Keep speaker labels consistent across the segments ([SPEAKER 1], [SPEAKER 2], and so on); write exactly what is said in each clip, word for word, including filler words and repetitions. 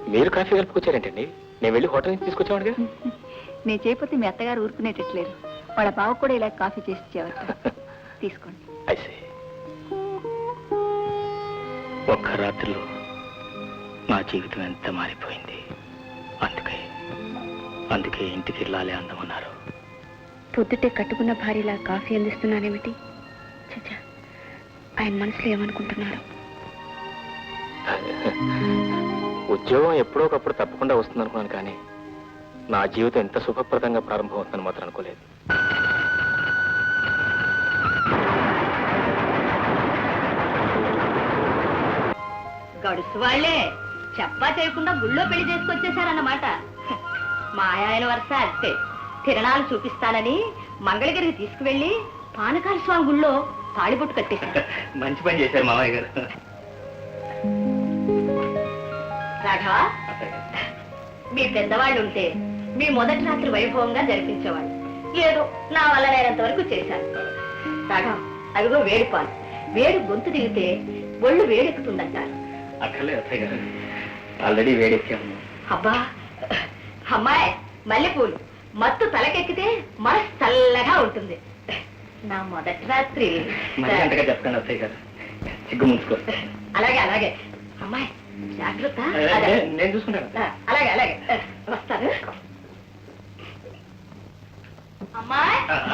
[SPEAKER 1] మీరు కాఫీ కలుపుకొచ్చారేంటండి? నేను వెళ్ళి హోటల్ నుంచి తీసుకొచ్చావాడుగా.
[SPEAKER 2] నేను చేయకపోతే మీ అత్తగారు ఊరుకునేటట్లేరు. వాళ్ళ బావ కూడా ఇలా కాఫీ చేసి ఇచ్చేవారు. తీసుకోండి.
[SPEAKER 1] అయితే ఒక్క రాత్రిలో నా జీవితం ఎంత మారిపోయింది. అందుకే అందుకే ఇంటికి వెళ్ళాలి అందమన్నారు.
[SPEAKER 2] పొద్దుటే కట్టుకున్న భార్యలా కాఫీ అందిస్తున్నానేమిటి? చచ్చా, ఆయన మనసులో ఏమనుకుంటున్నారు?
[SPEAKER 1] ఉద్యోగం ఎప్పుడో ఒకప్పుడు తప్పకుండా వస్తుంది అనుకున్నాను, కానీ నా జీవితం ఎంత సుఖప్రదంగా ప్రారంభమవుతుందని మాత్రం అనుకోలేదు.
[SPEAKER 3] గడుసు వాళ్లే చెప్పా చేయకుండా గుళ్ళో పెళ్లి చేసుకొచ్చేసారన్నమాట. మా ఆయన వరుస అంతే. తిరణాలు చూపిస్తానని మంగళగిరికి తీసుకువెళ్లి పానకాల స్వామి గుళ్ళో తాళిబొట్టు కట్టేశారు.
[SPEAKER 1] మంచి పని చేశారు మామయ్య గారు.
[SPEAKER 3] రాఘవ, మీ పెద్దవాళ్ళు ఉంటే మీ మొదటి రాత్రి వైభవంగా జరిపించేవాళ్ళు. ఏదో నా వల్ల నేనంత వరకు చేశాను. రాఘవ, అదిగో వేడి పాలు. వేడి గొంతు దిగితే ఒళ్ళు వేడెక్కుతుందంటారు.
[SPEAKER 1] అక్కర్లేదు అత్తయ్య గారు, ఆల్రెడీ వేడెక్కాము.
[SPEAKER 3] అబ్బా అమ్మాయి, మల్లెపూలు మత్తు తలకెక్కితే మనసు చల్లగా ఉంటుంది. నా మొదటి రాత్రి
[SPEAKER 1] చెప్తాను అత్తయ్య గారు, సిగ్గు ముంచుకో.
[SPEAKER 3] అలాగే అలాగే అమ్మాయి, జాగ్రత్త.
[SPEAKER 1] నేను చూసుకుంటాను.
[SPEAKER 3] అలాగే అలాగే వస్తాను. అమ్మాయి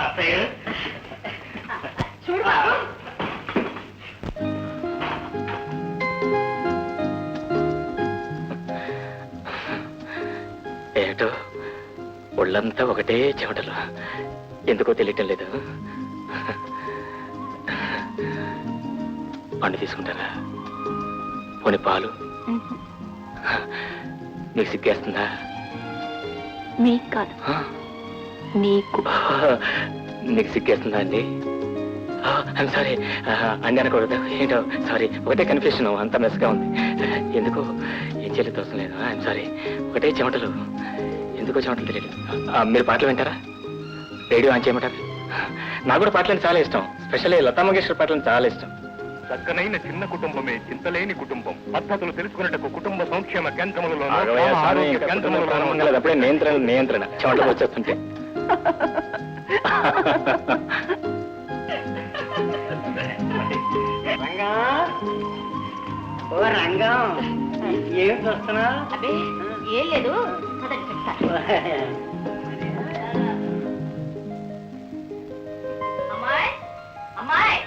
[SPEAKER 3] చూడు బాబు.
[SPEAKER 1] ఏటో ఒళ్ళంతా ఒకటే చెమటలు, ఎందుకో తెలియటం లేదు. పండు తీసుకుంటారా? పోనీ పాలు? మీకు సిగ్గేస్తుందా?
[SPEAKER 2] మీకు కాదు, నీకు.
[SPEAKER 1] మీకు సిగ్గేస్తుందా అండి? ఐమ్ సారీ అండి అనకూడదు. ఏంటో సారీ, ఒకటే కన్ఫ్యూషన్, అంత మెస్గా ఉంది. ఎందుకో ఏం చేయలేదు అవసరం లేదు. ఐమ్ సారీ, ఒకటే చెమటలు, ఎందుకో చెమటలు తెలియదు. మీరు పాటలు వింటారా? రేడియో ఆన్ చేయమంటారా? నాకు కూడా పాటలు చాలా ఇష్టం, స్పెషల్లీ లతా మంగేష్కర్ పాటలు చాలా ఇష్టం.
[SPEAKER 4] చక్కనైన చిన్న కుటుంబమే చింతలేని కుటుంబం. పద్ధతులు తెలుసుకున్నట్టు కుటుంబ సంక్షేమ కేంద్రములలో
[SPEAKER 1] అప్పుడే నియంత్రణ నియంత్రణ చెమటలు వచ్చేస్తుంటే.
[SPEAKER 5] ఓ రంగం, ఏం చూస్తున్నా?
[SPEAKER 3] అదే ఏం లేదు. అమ్మాయి అమ్మాయి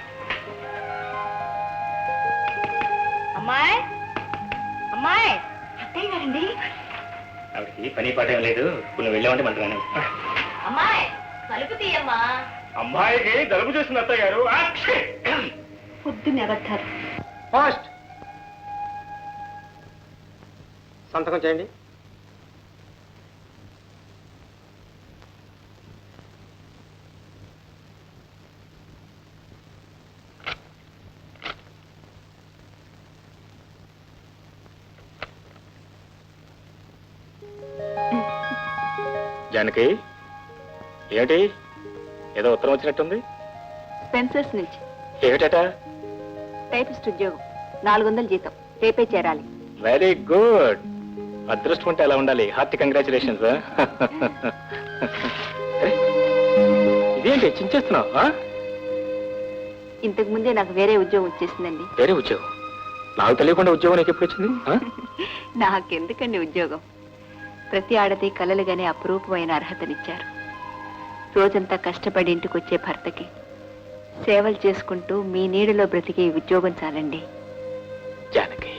[SPEAKER 3] అమ్మాయి అమ్మాయి, అత్తయ్య గారండి.
[SPEAKER 1] ఆవిడకి పని పాట ఏం లేదు, నువ్వు వెళ్ళామంటే మంటగానే.
[SPEAKER 3] అమ్మాయి కలుపు తీయమ్మా.
[SPEAKER 4] అమ్మాయికి జలుబు చేసిన అత్తయ్య గారు.
[SPEAKER 3] పొద్దున్నే అబద్ధారు.
[SPEAKER 5] పోస్ట్ సంతకం చేయండి.
[SPEAKER 1] జానకి, ఏమిటి ఏదో ఉత్తరం వచ్చినట్టుంది?
[SPEAKER 2] స్పెన్సర్స్ నుంచి.
[SPEAKER 1] ఏమిటట?
[SPEAKER 2] టైపిస్ట్ ఉద్యోగం, నాలుగు వందల జీతం, రేపే చేరాలి.
[SPEAKER 1] Very good. అదృష్టం ఉంటే అలా ఉండాలి. Hearty congratulations. ఇదేంటి చించేస్తున్నావు?
[SPEAKER 2] ఇంతకు ముందే నాకు వేరే ఉద్యోగం వచ్చేసిందండి.
[SPEAKER 1] వేరే ఉద్యోగం? నాకు తెలియకుండా ఉద్యోగం నీకు ఎప్పుడు వచ్చింది?
[SPEAKER 2] నాకెందుకండి ఉద్యోగం? ప్రతి ఆడది కలలుగానే అపురూపమైన అర్హతనిచ్చారు. రోజంతా కష్టపడి ఇంటికి వచ్చే భర్తకి సేవలు చేసుకుంటూ మీ నీడలో బ్రతికే ఉద్యోగం చాలండి.
[SPEAKER 1] జానకి,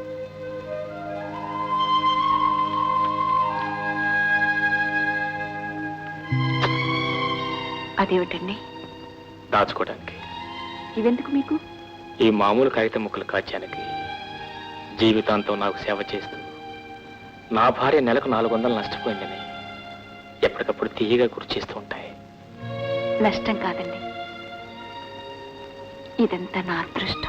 [SPEAKER 2] అదేమిటండి?
[SPEAKER 1] దాచుకోవడానికి.
[SPEAKER 2] ఇవెందుకు మీకు?
[SPEAKER 1] ఈ మామూలు కాగితం ముక్కలు కాచానికి జీవితాంతం నాకు సేవ చేస్తూ నా భార్య నెలకు నాలుగు వందలు నష్టపోయిందని ఎప్పటికప్పుడు తీయగా గుర్తు చేస్తూ ఉంటాయి.
[SPEAKER 2] నష్టం కాదండి, ఇదంతా నా అదృష్టం.